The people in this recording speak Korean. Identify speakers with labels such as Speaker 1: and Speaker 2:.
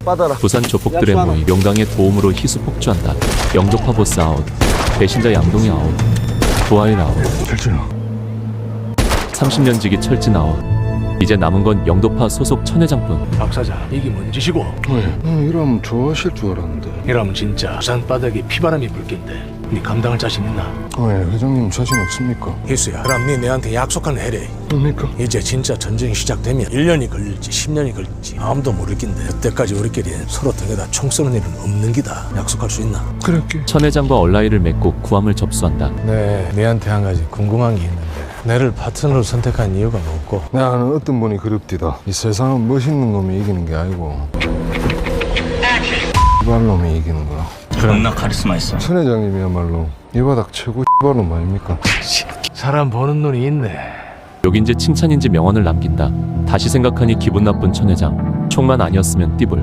Speaker 1: 받아라.
Speaker 2: 부산 조폭들의 모임 용강의 도움으로 희수 폭주한다. 영도파 보스 아웃, 배신자 양동이 아웃, 도하일 아웃,
Speaker 3: 철준아
Speaker 2: 30년 지기 철진 아웃. 이제 남은 건 영도파 소속 천 회장뿐.
Speaker 4: 박 사장, 이게 뭔 짓이고?
Speaker 3: 왜? 이러면 좋아하실 줄 알았는데.
Speaker 4: 이러면 진짜 부산 바닥에 피바람이 불 낀데 네 감당할 자신 있나?
Speaker 3: 왜 회장님 자신 없습니까?
Speaker 4: 희수야, 그럼 네 내한테 약속한 해래.
Speaker 3: 뭡니까?
Speaker 4: 이제 진짜 전쟁이 시작되면 1년이 걸릴지 10년이 걸릴지 아무도 모를 낀데 그때까지 우리끼리 서로 등에다 총 쏘는 일은 없는 기다. 약속할 수 있나?
Speaker 3: 그럴게.
Speaker 2: 천 회장과 얼라이를 맺고 구함을 접수한다.
Speaker 4: 네, 내한테 한 가지 궁금한 게 있는데 내를 파트너로 선택한 이유가 뭐고?
Speaker 3: 내가 아는 어떤 분이 그립디다. 이 세상은 멋있는 놈이 이기는 게 아니고 이발 놈이 이기는 거야.
Speaker 5: 존나 카리스마 있어.
Speaker 3: 천 회장님이야말로 이 바닥 최고 이발 놈 아닙니까?
Speaker 4: 사람 보는 눈이 있네.
Speaker 2: 욕인지 칭찬인지 명언을 남긴다. 다시 생각하니 기분 나쁜 천 회장. 총만 아니었으면 띠불.